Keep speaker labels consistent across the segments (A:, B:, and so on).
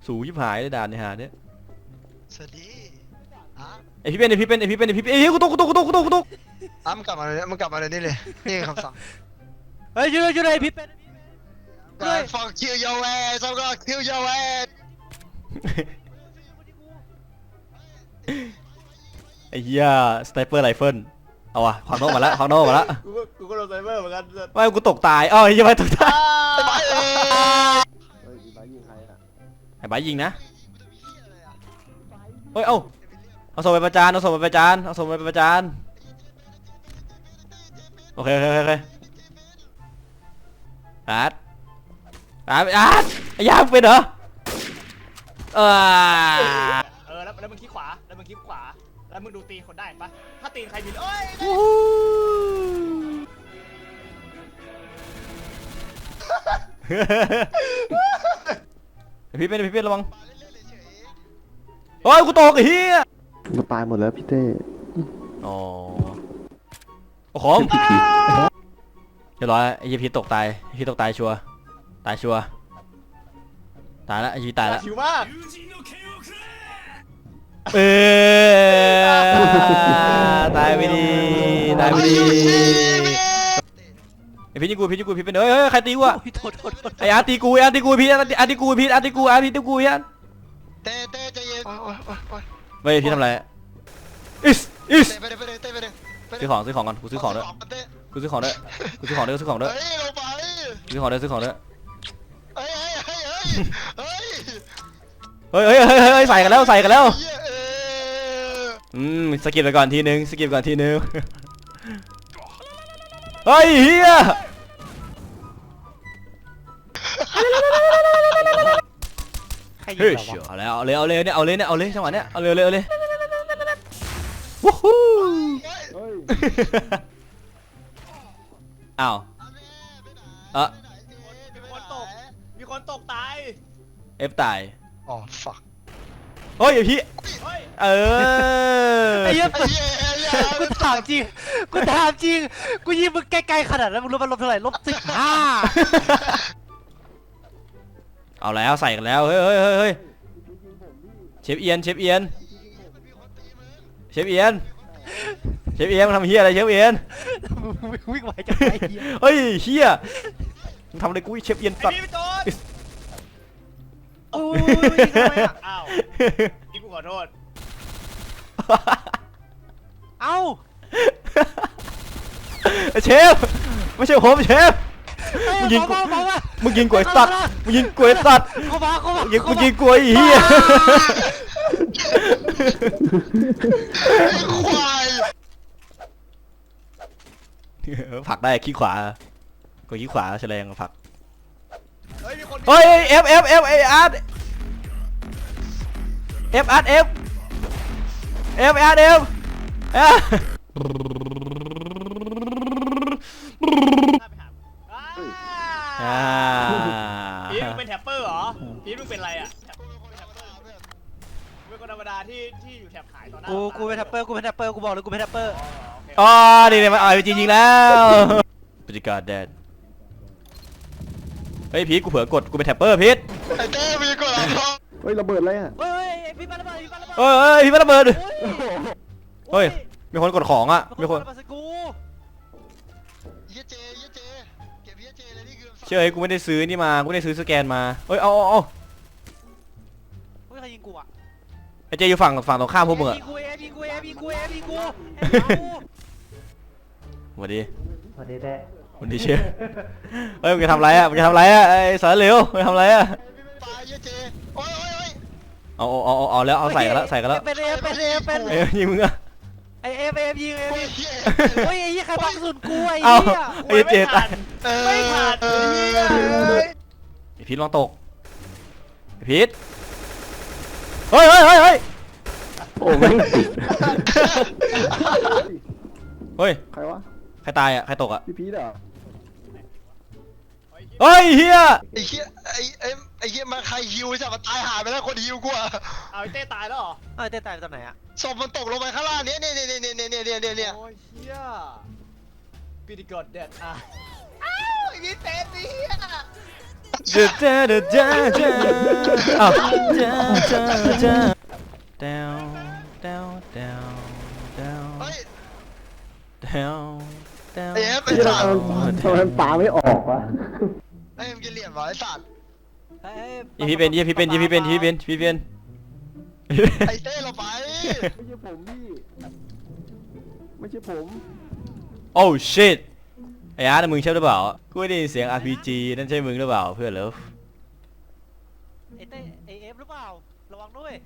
A: สูงยิบหายเลยด่านในหาเนี่ย
B: สวัสดี
A: ไอพี่เป็นเอ้ยกูตก
B: มันกลับมาเลยมันกลับมาเลยนี่เลยนี่คำสั่ง
C: เฮ้ยช่วยพี่เป็น
B: fuck kill your ass I'm gonna kill your ass
A: ไอ้เหี้ยสไนเปอร์ไรเฟิลเอาวะขวางโน้มาแล้ว
C: กูก็โดนไซเบอร์เหมือนกัน
A: ไม่กูตกตายอ้าวไอ้ยังไงตกตายไอ้บ้ายิงนะเฮ้ยเอาส่งไปประจานโอเคอาร์ตไอ้ยาเป็นเหรอ
C: แล้วมึงคลิกขวาแล้วมึงดูตีคนได้ปะถ้าตีใครมีเอ้ย
A: พี่เป็นระวังโอ้ยกูตกไอ้เหี้ย
D: กูตายหมดแล้วพี่เต้
A: อ๋อของเรียบร้อยไอ้ยี่พีตกตายชัวตายแล้วไอ้ยี่ตายแล้ว
C: ชิวมาก
A: ตายไปดีไอ้พี่ยิงกูพี่เป็นเฮ้ยใครตีกูอะไอ้อาร์ตีกูพี่อาร์ตีกูเ
B: ต้ใจเย็น
A: ไม่พี่ทำไรอิสซื้อของก่อนกูซื้อของด้วยซื้อของด้วยซื้อของด้วยเฮ้ยใส่กันแล้วสกิปไปก่อนทีนึงเฮ้ยเฮียเฮ้ยเอาเลยจังหวะเนี้ยเอาเลยวู้ฮู้อ้าว
C: มีคนตกตาย
A: เอฟตาย
B: อ๋อ fuck
A: เฮ้ยพี่
C: ไอ้เหี้ยกูถามจริงกูยิงมึงไกลๆขนาดนั้นมึงรู้มันลบเท่าไหร่
A: -15เอาแล้วใส่กันแล้วเฮ้ยเชฟเอียนมันทำเฮียอะไรเชฟเอียน
C: วิ่งไหวจังไง
A: เฮ้ยเฮียมึงทำอะไรกูเชฟเอียนตัด
C: โอ้ยทำไมอ่ะอ้าวนี่กูขอโทษเอ้า
A: เชฟไม่ใช่ผมเชฟมึงยิงกล้วยสัตว์กูยิงกล้วยไอ้เหี้ย
B: ควาย
A: ผลักได้ขี้ขวากดขี้ขวาแฉลงผลักเฮ้ยเอฟอาร์ต
C: พีทมึงเป็นแท็ปเปอร์เหรอพีทมึงเป็นอะไรอ่ะเป็นคนธรรมดาที่อยู่แท็บขายตอนหน้ากูเป็นแท็ปเปอร์กูบอกเลยกูเป็นแท็ปเปอร์
A: อ๋อนี่มันอ่อยจริงๆแล้วปฏิการแดนเฮ้ยพีทกูเผลอกดกูเป็นแท็ปเปอร์พีท
B: ไอ้เต้มีกด
D: เฮ้ยระเบิดอะไรอ่ะ
C: เฮ้ยพี่ระเบิด
A: พี่ระเบิดเฮ้ยมีคนกดของอ่ะมีคน
B: เก็บเจเลยนี่คือ
A: เชื่อกูไม่ได้ซื้อนี่มากูไม่ได้ซื้อสแกนมาเฮ้ยเอา
C: เฮ้ยใครยิงกูอ่ะ
A: ไอเจอยู่ฝั่งตรงข้ามพวกมึงอะ
C: กู
A: สวัสดี
C: แด้
A: วันดีเชฟเฮ้ยมึงจะทำไรอะไอ้สารเหลวมึงทำไรอะ
B: ปลาเจโอ้ย
A: เอาแล้วเอาใส่กันแล้ว
C: เป็น
A: ยิงมึงอะ
C: ไอเอฟยิงเฮ้ยไอ้ยี่ใครบังสุดกูไอ้
A: ไอ้เจตาย
C: ไม่ขาด
A: ไอพีทลองตกไอพีทเฮ้ย
D: โอ้ไม่ติด
A: เฮ้ย
D: ใครวะ
A: ใครตายอะใครตกอะ
D: พี่พีทเหรอ
A: เฮ้ยเฮีย
B: ไอ้เฮียมาใครฮิวจะมาตายหายไปแล้วคนฮิวกูอะ
C: เอาไอ้เต้ตายแล้วเหรอไอ้เต้ตายตอนไหนอะ
B: ศพมันตกลงไปข้างล่างเนี่ย
C: โอ้ยเฮียปีดีกอดเด็ดอ่ะอ้าวไอ้เต้เฮีย
A: เจ้าเจ้าเจ้าเจ้าอ้าวเจ้าเจ้าเจ้าเต้าเต้าเต้าเต้า
B: เฮ้ย
A: เต้าเต้า
B: ไอ้เอฟไอ้
D: ที่
B: สั
D: เรา
B: ตว์
D: ทำไมปลาไม่ออกวะ
B: ไอ้เอ็มกินเหลี่ยมวะไอ้สัตว์
A: ยี่พี่เป็นยี่พี่เป็นยี่พี่เป็นยี่พี่เป็นยี่พี่เป็น
B: ไอ้เต้เราไป
D: ไม่ใช่ผมพี่ไม่ใช่ผม
A: โอ้ shit ไอ้อาร์ตมึงใช่หรือเปล่ากูได้ยินเสียง RPG นั่นใช่มึงหรือเปล่าเพื่อนเลิฟ
C: ไอ้เต้ไอ้เอฟหรือเปล่าระวังด้วย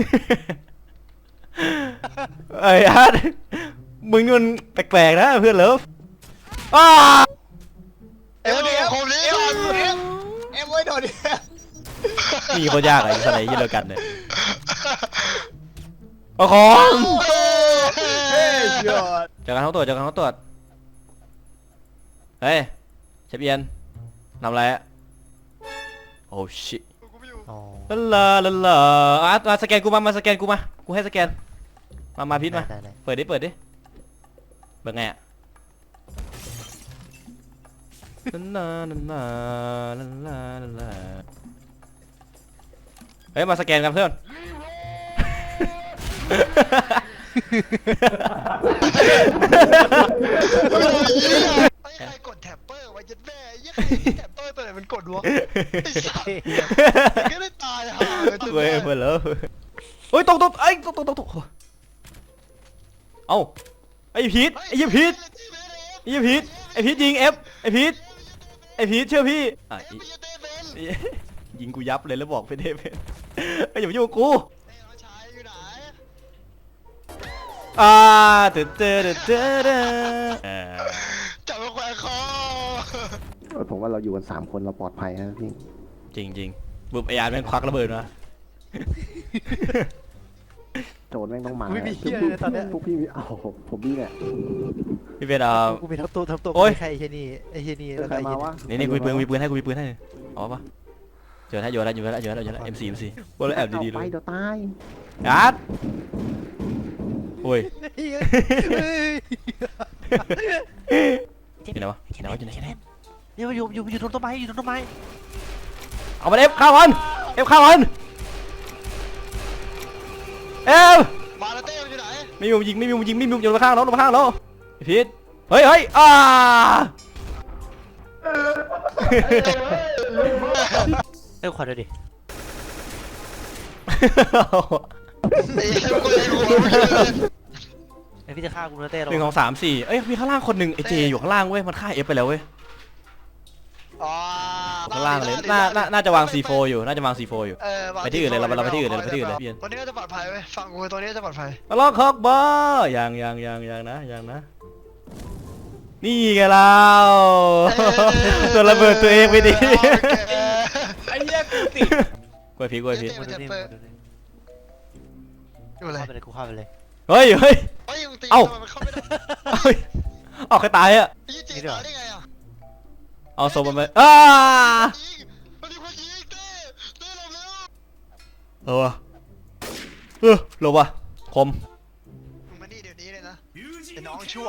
A: ไอ้อาร์ตมึงนี่มันแปลกๆนะเพื่อนเลิฟอ้า
B: เอ็มโคมนี้ก่อน
C: เอฟไว้โดนดิ
A: นี่โคตรยากอะไอ้สไนยี่เดียวกันเนี่ยเอาของ
B: เฮ้ย
C: ยอด
A: จากการเขาตรวจจากการเขาตรวจเฮ้ยเชฟเอียนทำอะไรอะโอ้ชิลาลาลาลามาสแกนกูมาสแกนกูมากูให้สแกนมาพิษมาเปิดดิเปิดไงอะลาลาลาลาลาลาเฮ้ยมาสแกนกันเพื่อน
B: ไอ้ใครกดแท็บเปอร์ไว้ยัดแม่ไอ้ใครแท็บเปอร์ตัวไหนมันกดวะไอ้สัตว์ก็ได้ตายห่าเลยจน
A: เว้ย
B: แม่
A: เพื่อนเลยเฮ้ยตกไอ้ตกเอ้าไอ้พีทไอ้ยี่พีทไอ้ยี่พีทไอ้พีทยิงเอฟไอ้พีทเชื่อพี่อ่ะยิงกูยับเลยแล้วบอกไปเทพไอ้อย่ามายุ่งกับกูเตออ
B: จับมาแขวนคอ
D: ผมว่าเราอยู่กัน3 คนเราปลอดภัยนะพี่
A: จริงบุบไอ้อาร์แม่งควักระเบิดมา
D: โจรแม่งต้องมา
C: ไม่มีเหี้ยเลยตอนเนี้ย
D: พวกพี่เอาผมนี่แหละ
A: พี่เป็น
C: กูเป็นทั้งตัว
A: โอ๊ย
C: ใครไอ้เฮียนี่แล้ว
D: ใคร
C: ไอ้
D: มา
C: เฮีย
D: วะ
A: นี่กูมีปืนให้เอาปะเจอแล้วโยนแล้วM4 พวกเราแอบดีๆเล
D: ไป
A: ย
D: เดี๋ยวตาย
A: อาร์ตโอ้ย อยู่ไหนวะอยู่ไหน
C: เนี่ยมันอยู่ตรงต้นไม้อยู่ตรงต้นไม้
A: เอามันเอฟข้าวมันเอฟข้าวมันเอฟ
B: มาแล้วเต้มันอยู่ไหน
A: ไม่มียิงอยู่ข้างเราพีทเฮ้ย
C: เอ้ยขวัญเลยดิ
B: ไอ้เอ็มกูเลยหัวมึงเลย
C: ไอพี่จะฆ่ากูนะเต้
A: 1 2 3 4เอ้ยมีข้างล่างคนหนึ่งไอเจอยู่ข้างล่างเว้ยมันฆ่าเอฟไปแล้วเว้ย
B: อ๋อ
A: ข้างล่างเลยน่าจะวาง C4 อยู่ไปที่อื่นเลยเราไปที่อื่นเลยพี่
B: ตัวนี้ก็จะปลอดภัยเว้ยฟังกูตัวนี้จะปลอดภัย
A: ล็อกฮอกบอยังนะนี่ไงเราตัวระเบิดตัวเองไปดิ
B: ไอ้เหี้ยกูติด
A: กล้วยพี
C: ดูนี่
B: อยู่เลย
C: กูฆ่าไปเลย
A: เฮ้ย
B: เฮ้ยมึงตีมันเข้าไม่ได้
A: ออกใครตายอะ
B: ยี่จีตายได้ไงอ่ะ
A: เอาโซมันไป
B: ยิงมันมีคนยิงเต้หลบเร็ว
A: หลบว่ะคม
B: มึงมานี่เดี๋ยวนี้เลยนะไอ้น้องชั่ว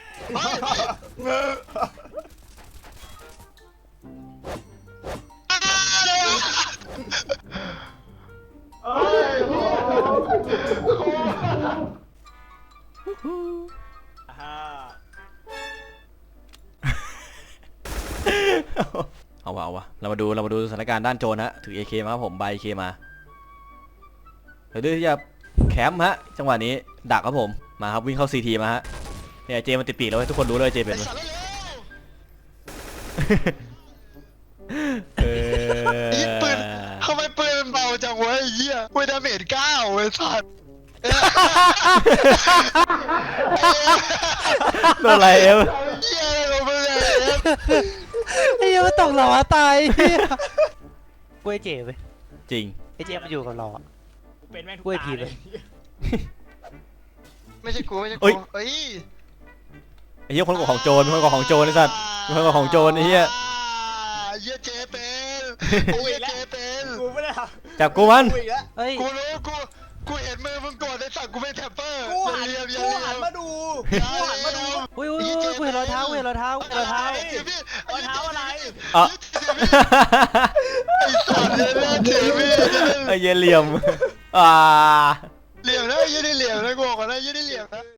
A: เอาวะเรามาดูสถานการณ์ด้านโจรฮะถือ AK มาครับผมใบ AK มาเดี๋ยวที่จะแคมป์ฮะจังหวะนี้ดักครับผมมาครับวิ่งเข้า CT มาฮะเนี่ยเจมันติดปีกแล้วทุกคนรู้เลยเจเป็น
B: ยิงปืนทำไมปืนมันเบาจังวะไอ้เหี้ยเวดาเมจ9เว้ยสัตว์
A: โดนอะไรเอฟ
B: เหี้ยอะไรของมึงเนี่ย
C: ไอ้เหี้ยมันตกหล่อตายกูไอเจไป
A: จริง
C: ไอเจมันอยู่กับเราอ่ะ
E: เป็นแม่งทุก
C: กล้วย
E: ตา
C: ผี
E: เล
C: เลย ย
B: ไม่ใช่กูเอ้ย
A: ไอ้เหี้ยคนก่อของโจรไอ้สัตว์คนก่อของโจรไอ้เหี้ย
B: เหี้ยเจเป็นเหี้ยเจเป็น
E: กูไม่ได้ท
A: จับกูมัน
E: ำกูอีกแล้ว
C: เฮ้ย
B: กูรู้กูเห็นมือมึงกดไอ้สัตว์กูเป็นแท็ปเปอร์
E: กูหัน
B: เรียบ
E: กูหันมาดูกูหันมาดู
C: อุ้ยกูเห็นรอยเท้า
E: รอยเท้าอะไร
A: อ่ะ
B: เจไอ้สัตว์เนี่ยนะเถื่อนพี่
A: ไอ้เหี้ยเหลี่ยมอ่า
B: เหลี่ยมนะยืดได้เหลี่ยมนะกูบอกก่อนนะยืดได้เหลี่ยมนะ